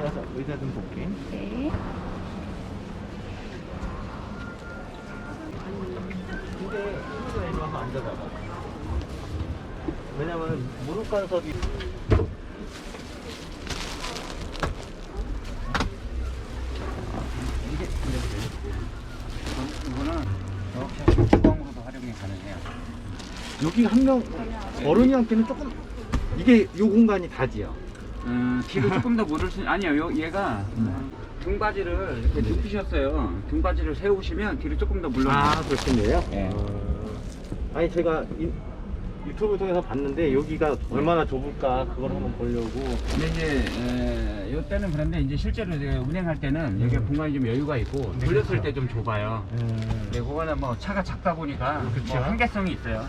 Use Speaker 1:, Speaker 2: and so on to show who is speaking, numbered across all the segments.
Speaker 1: 들어가서 의자 좀 볼게.
Speaker 2: 네.
Speaker 1: 근데 친구가 이리 와서 앉아봐봐. 왜냐면 무릎 간섭이 이게
Speaker 3: 이거는 이렇게 주방으로도 활용이 가능해요.
Speaker 1: 여기 한 명 어른이한테는 조금 이게 요 공간이 다지요.
Speaker 3: 뒤로 조금 더 물을 수 아니요. 얘가 등받이를 이렇게 눕히셨어요. 등받이를 세우시면 뒤로 조금 더 물러.
Speaker 1: 아 그렇겠네요.
Speaker 3: 네.
Speaker 1: 아니 제가 유튜브 통해서 봤는데 여기가 얼마나 좁을까 그걸 한번 보려고.
Speaker 3: 근데 이제 요 때는 그런데 이제 실제로 제가 운행할 때는 여기 공간이 좀 여유가 있고
Speaker 1: 네,
Speaker 3: 돌렸을
Speaker 1: 그렇죠.
Speaker 3: 때 좀 좁아요. 근데 그거는 뭐 차가 작다 보니까
Speaker 1: 그쵸.
Speaker 3: 뭐 한계성이 있어요.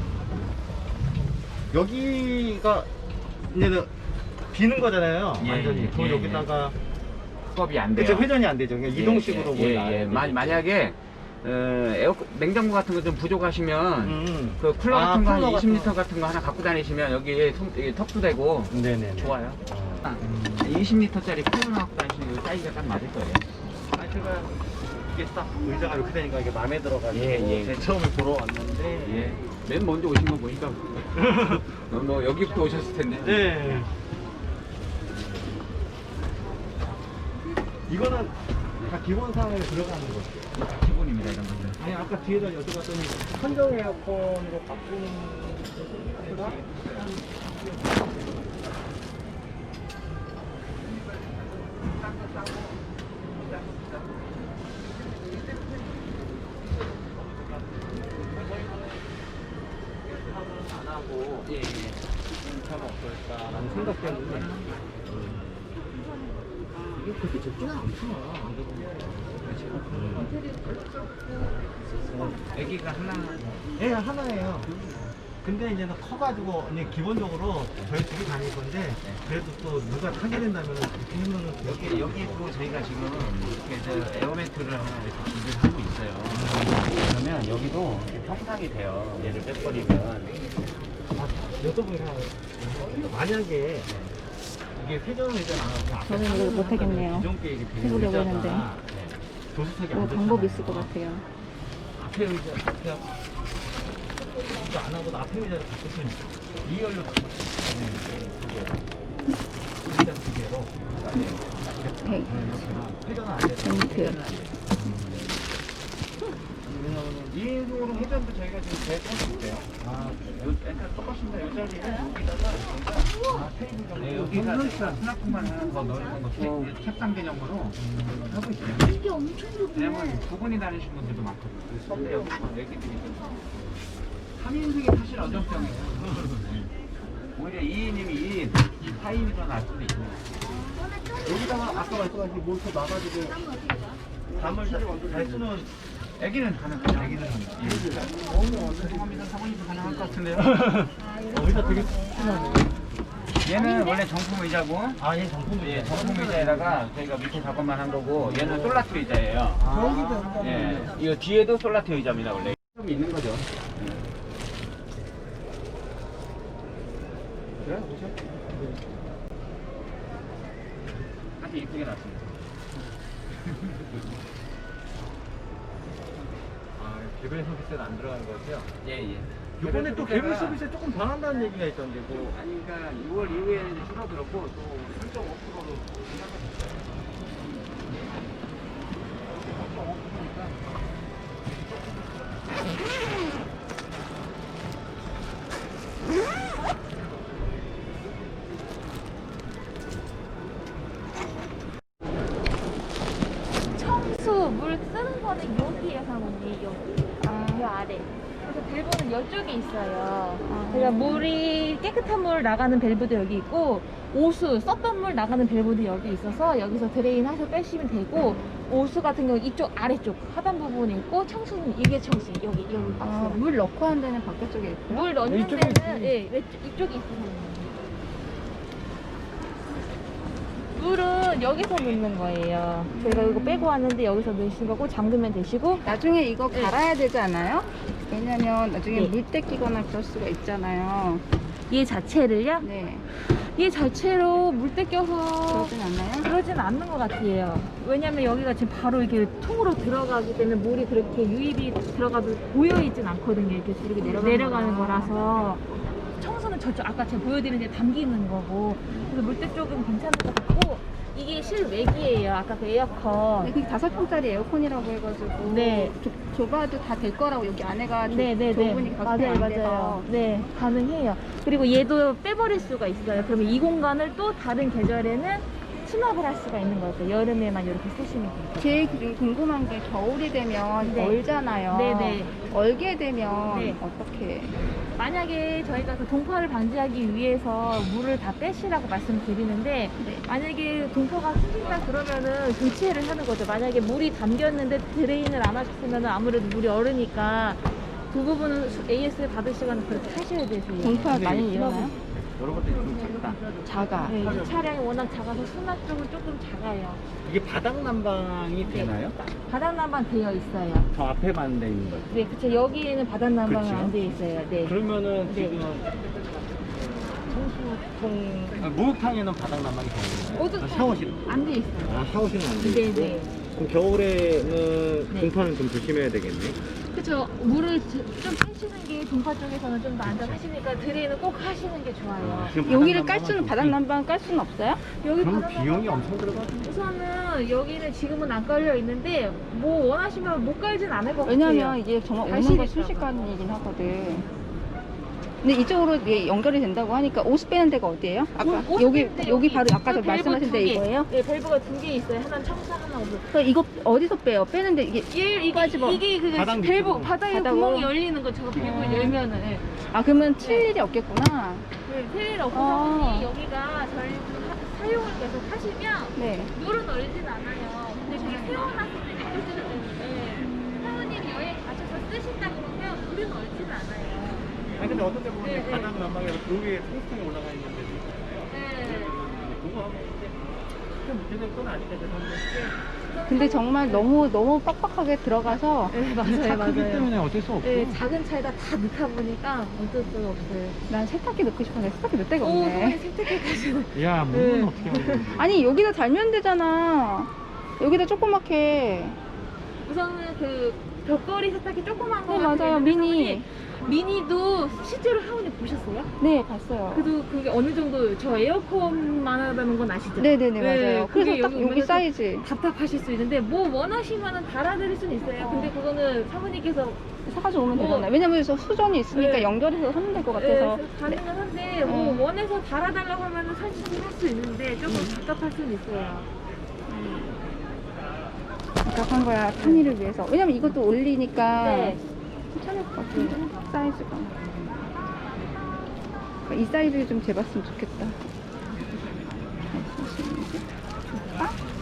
Speaker 1: 여기가 이제는 비는 거잖아요.
Speaker 3: 예,
Speaker 1: 완전히.
Speaker 3: 예,
Speaker 1: 그럼
Speaker 3: 예,
Speaker 1: 여기다가
Speaker 3: 수업이 안 돼요.
Speaker 1: 그쵸, 회전이 안 되죠. 그냥 이동식으로 뭐 나와야 되죠.
Speaker 3: 만약에 냉장고 같은 거 좀 부족하시면 그 쿨러
Speaker 1: 아,
Speaker 3: 같은 거 한
Speaker 1: 쿨러 같은
Speaker 3: 20리터 같은 거 하나 갖고 다니시면 여기에 턱도 되고
Speaker 1: 네네.
Speaker 3: 좋아요. 20리터짜리 쿨러 갖고 다니시면 이 사이즈가 딱 맞을 거예요.
Speaker 1: 아 제가 이게 딱 의자가 이렇게 되니까 이게 마음에 들어가지고
Speaker 3: 예.
Speaker 1: 제가 처음에 보러 왔는데.
Speaker 3: 예. 맨 먼저 오신 거 보니까 뭐 여기부터 오셨을 텐데.
Speaker 1: 네. 이거는 다 기본 상황에 들어가는 거죠.
Speaker 3: 다 기본입니다 이런 것들.
Speaker 1: 아니 아까 뒤에다 여쭤봤더니 선정 에어컨으로 바꾸는 거가 안 하고 참 어떨까라는 생각 때문에 이게 그렇게 좁지는 않구나.
Speaker 3: 애기가 하나.
Speaker 1: 예, 하나예요. 근데 이제는 커가지고 이제 기본적으로 저희 둘이 다닐 건데 그래도 또 누가 타게 된다면 그렇게 하면은
Speaker 3: 여기 또 저희가 지금 이렇게 저 에어매트를 하나 이렇게 준비를 하고 있어요. 그러면 여기도 평상이 돼요. 얘를 빼버리면.
Speaker 1: 여쭤보니까 만약에 이게 회전을 안 하고
Speaker 2: 저는 이걸 못하겠네요.
Speaker 1: 기존 게 이게
Speaker 2: 해보려고 했는데.
Speaker 1: 조수석이
Speaker 2: 뭐
Speaker 1: 안
Speaker 2: 방법이
Speaker 1: 좋잖아요.
Speaker 2: 있을 것 같아요.
Speaker 1: 앞에 의자 그냥 이거 안 하고 앞에 의자를 바꾸시면 2열로 바꾸시면 의자 두 개로
Speaker 2: 네.
Speaker 1: 회전은 안 돼요.
Speaker 2: 벤트.
Speaker 1: 왜냐면
Speaker 3: 2인승으로 회전도 저희가 지금 계획하고 있어요. 똑같습니다. 이 자리에 여기다가 테이블 정도 여기가 수납공간 하나 더 넓은 거 책상 개념으로 하고 있어요.
Speaker 2: 이게 엄청
Speaker 3: 왜냐면 두 분이 다니시는 분들도 많거든요. 선배 여기 애기들이 3인승이 사실 어정쩡해요. 오히려 2인이면 2인, 4인이 더 나을 수도 있고.
Speaker 1: 여기다가 아까 말씀하신 모터 놔가지고 담을 잘 쓰는
Speaker 3: 애기는 가능해요. 애기는 사모님도 가능할 것 같은데요.
Speaker 1: 의자 되게 튼튼하네.
Speaker 3: 얘는 원래 정품 의자고,
Speaker 1: 아예 정품 의자.
Speaker 3: 정품 의자에다가 저희가 밑에 작업만 한 거고, 얘는 솔라트 의자예요. 예, 이거 뒤에도 솔라트 의자입니다 원래. 좀 있는 거죠. 그래 보죠. 아주 이쁘게 났습니다.
Speaker 1: 개별 서비스는 안 들어가는 거죠?
Speaker 3: 예.
Speaker 1: 이번에 또 개별 서비스에 조금 변한다는 얘기가 있던데 뭐.
Speaker 3: 아니 그러니까 6월 이후에 줄어들었고 또 3.5%로
Speaker 2: 청수 물 쓰는 거는 여기에 사모님 여기. 이 아래. 그래서 밸브는 이쪽에 있어요. 그러니까 물이 깨끗한 물 나가는 밸브도 여기 있고 오수 썼던 물 나가는 밸브도 여기 있어서 여기서 드레인 하셔 빼시면 되고 오수 같은 경우 이쪽 아래쪽 하단 부분에 있고 청수는 이게 청수 여기 박스.
Speaker 4: 물 넣고 하는 데는 바깥쪽에 있고요?
Speaker 2: 물 넣는
Speaker 1: 이쪽에
Speaker 2: 데는 예 이쪽에 있어요. 물은 여기서 넣는 거예요. 저희가 이거 빼고 왔는데 여기서 넣으신 거고 잠그면 되시고
Speaker 4: 나중에 이거
Speaker 2: 네.
Speaker 4: 갈아야 되지 않아요? 왜냐면 나중에
Speaker 2: 네.
Speaker 4: 물때 끼거나 그럴 수가 있잖아요.
Speaker 2: 얘 자체를요?
Speaker 4: 네.
Speaker 2: 얘 자체로 물때 껴서
Speaker 4: 그러진 않나요?
Speaker 2: 그러진 않는 것 같아요. 왜냐면 여기가 지금 바로 이렇게 통으로 들어가기 때문에 물이 그렇게 유입이 들어가도 고여있진 않거든요. 이렇게 내려가는 거라서. 청소는 저쪽 아까 제가 보여드린 데 담기는 거고, 그래서 물때 쪽은 괜찮을 것 같고, 이게 실외기예요. 아까 그 에어컨.
Speaker 4: 네, 그게 5평짜리 에어컨이라고 해가지고
Speaker 2: 네.
Speaker 4: 좁아도 다 될 거라고 여기 안에가
Speaker 2: 네네네.
Speaker 4: 좁으니까 가스펠이
Speaker 2: 맞아요,
Speaker 4: 안 돼서.
Speaker 2: 맞아요. 네, 가능해요. 그리고 얘도 빼버릴 수가 있어요. 그러면 이 공간을 또 다른 계절에는 수납을 할 수가 있는 거죠. 여름에만 이렇게 쓰시면 돼요.
Speaker 4: 제일 궁금한 게 겨울이 되면
Speaker 2: 네.
Speaker 4: 얼잖아요.
Speaker 2: 네네.
Speaker 4: 얼게 되면
Speaker 2: 네.
Speaker 4: 어떻게?
Speaker 2: 만약에 저희가 그 동파를 방지하기 위해서 물을 다 빼시라고 말씀드리는데,
Speaker 4: 네.
Speaker 2: 만약에 동파가 생긴다 그러면은 교체를 하는 거죠. 만약에 물이 담겼는데 드레인을 안 하셨으면 아무래도 물이 얼으니까 그 부분은 AS 받으시거나 그렇게 하셔야 되세요.
Speaker 4: 동파 많이 일어나요?
Speaker 3: 여러 것들이 좀 작다.
Speaker 4: 작아.
Speaker 2: 네, 이 차량이 워낙 작아서 수납 쪽은 조금 작아요.
Speaker 3: 이게 바닥 난방이 되나요?
Speaker 2: 바닥 난방 되어 있어요.
Speaker 3: 저 앞에만 돼 있는 거죠.
Speaker 2: 네, 그쵸. 여기에는 바닥 난방은
Speaker 3: 그렇죠.
Speaker 2: 안 되어 있어요. 네.
Speaker 3: 그러면은
Speaker 2: 네.
Speaker 3: 지금 청수통 목욕탕에는 바닥 난방이 되나요? 샤워실.
Speaker 2: 안 되어 있어요.
Speaker 3: 아, 샤워실은 안
Speaker 2: 네,
Speaker 3: 되고.
Speaker 2: 네.
Speaker 3: 그럼 겨울에는
Speaker 2: 네.
Speaker 3: 동파는 좀 조심해야 되겠네.
Speaker 2: 그쵸. 물을 좀 빼시는 게 동파 쪽에서는 좀 더 안전하시니까 드레인은 꼭 하시는 게 좋아요.
Speaker 3: 지금
Speaker 4: 여기를
Speaker 3: 바닥
Speaker 4: 깔 수는
Speaker 3: 난방은
Speaker 4: 바닥
Speaker 3: 좀
Speaker 4: 난방 깔 수는 없어요?
Speaker 2: 여기
Speaker 3: 그럼
Speaker 2: 바닥
Speaker 3: 비용이
Speaker 2: 난방-
Speaker 3: 엄청 들어가죠.
Speaker 2: 우선은 여기는 지금은 안 깔려 있는데 뭐 원하시면 못 깔진 않을 것 같아요.
Speaker 4: 왜냐면 이게 정말 오는 거
Speaker 2: 가시니까.
Speaker 4: 순식간이긴 하거든. 근데 이쪽으로 이게 연결이 된다고 하니까 옷 빼는 데가 어디예요? 아까 여기 바로 아까 저 말씀하신 데 이거예요?
Speaker 2: 네, 밸브가 2개 있어요. 하나는 청사, 하나 오브.
Speaker 4: 그럼 이거 어디서 빼요? 빼는데 이게
Speaker 2: 이게 그
Speaker 3: 바닥
Speaker 2: 밸브
Speaker 3: 밑으로.
Speaker 2: 바닥에
Speaker 4: 바닥으로?
Speaker 2: 구멍이 열리는 거 저거 밸브 열면은 네.
Speaker 4: 아 그러면 칠 일이 없겠구나.
Speaker 2: 텔레
Speaker 4: 아.
Speaker 2: 없어서 여기가 저희 사용을 계속 하시면
Speaker 4: 네.
Speaker 2: 물은 얼진 않아요. 근데 저기 세워놨을 때 느껴지기 때문에 사모님이 여행 가셔서 쓰신다 그러면 물은 얼진 않아요.
Speaker 3: 아니 근데 어떤 데 보면
Speaker 2: 네, 네.
Speaker 3: 바닥 난방에서 그 위에 통풍이 올라가 있는 데도 있잖아요.
Speaker 2: 네.
Speaker 3: 그거 하면 이제 큰 문제될 건 아니까 죄송한데.
Speaker 4: 근데 정말 너무 빡빡하게 들어가서
Speaker 2: 네,
Speaker 3: 차
Speaker 2: 맞아요,
Speaker 3: 크기
Speaker 2: 맞아요.
Speaker 3: 때문에 어쩔 수 없어.
Speaker 2: 네, 작은 차에다 다 넣다 보니까 어쩔 수가 없어요.
Speaker 4: 난 세탁기 넣고 싶었는데 세탁기 넣을 데가
Speaker 2: 오, 그냥
Speaker 4: 없네.
Speaker 2: 세탁기까지는.
Speaker 3: 야, 물은
Speaker 2: 네.
Speaker 3: 어떻게 하는 거지?
Speaker 4: 아니 여기다 달면 되잖아. 여기다 조그맣게.
Speaker 2: 우선은 그 벽걸이 세탁기 조그만 거
Speaker 4: 네,
Speaker 2: 같은
Speaker 4: 맞아요.
Speaker 2: 거 있는데
Speaker 4: 미니.
Speaker 2: 사모님, 미니도 실제로 하원이 보셨어요?
Speaker 4: 네 봤어요.
Speaker 2: 그래도 그게 어느 정도 저 에어컨만 하다는 건 아시죠?
Speaker 4: 네네네 맞아요.
Speaker 2: 그게
Speaker 4: 그래서 딱 여기
Speaker 2: 오면서
Speaker 4: 사이즈
Speaker 2: 답답하실 수 있는데 뭐 원하시면은 달아드릴 수는 있어요. 근데 그거는 사모님께서
Speaker 4: 사가지고 오면
Speaker 2: 뭐-
Speaker 4: 되잖아요. 왜냐면 저 수전이 있으니까
Speaker 2: 네.
Speaker 4: 연결해서 하면 될 것 같아서.
Speaker 2: 가능은 한데 뭐 원해서 달아달라고 하면은 사실 할 수 있는데 조금 답답할 수는 있어요.
Speaker 4: 답답한 거야 탄이를 위해서. 왜냐면 이것도 올리니까
Speaker 2: 네.
Speaker 4: 괜찮을 것 같은데 사이즈가. 이 사이즈 좀 재봤으면 좋겠다. 좋다?